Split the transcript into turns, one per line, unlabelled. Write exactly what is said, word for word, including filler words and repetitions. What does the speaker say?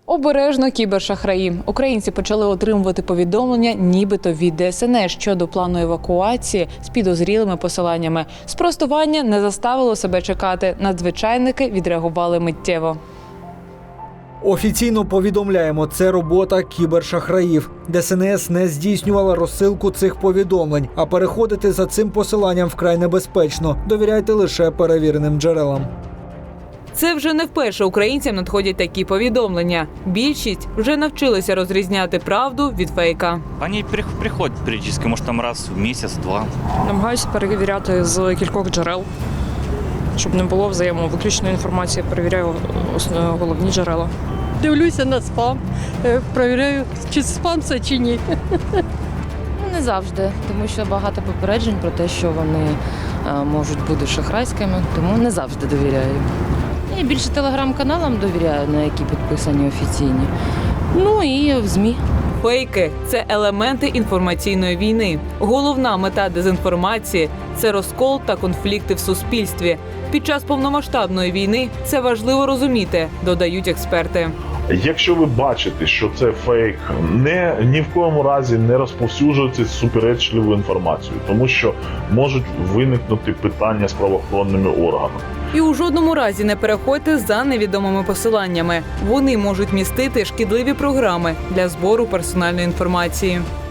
Обережно кібершахраї. Українці почали отримувати повідомлення нібито від Де Ес Ен Ес щодо плану евакуації з підозрілими посиланнями. Спростування не заставило себе чекати. Надзвичайники відреагували миттєво.
Офіційно повідомляємо, це робота кібершахраїв. Де Ес Ен Ес не здійснювала розсилку цих повідомлень, а переходити за цим посиланням вкрай небезпечно. Довіряйте лише перевіреним джерелам.
Це вже не вперше українцям надходять такі повідомлення. Більшість вже навчилися розрізняти правду від фейка.
Вони приходять періодично, може там раз в місяць, два.
Намагаюся перевіряти з кількох джерел, щоб не було взаємовиключної інформації. Перевіряю головні джерела.
Дивлюся на спам, перевіряю, чи спам це, чи ні.
Не завжди, тому що багато попереджень про те, що вони можуть бути шахрайськими, тому не завжди довіряю. Я більше телеграм-каналам довіряю, на які підписані офіційні. Ну і в ЗМІ.
Фейки – це елементи інформаційної війни. Головна мета дезінформації – це розкол та конфлікти в суспільстві. Під час повномасштабної війни це важливо розуміти, додають експерти.
Якщо ви бачите, що це фейк, не, ні в коєму разі не розповсюджуйте суперечливу інформацію, тому що можуть виникнути питання з правоохоронними органами.
І у жодному разі не переходьте за невідомими посиланнями. Вони можуть містити шкідливі програми для збору персональної інформації.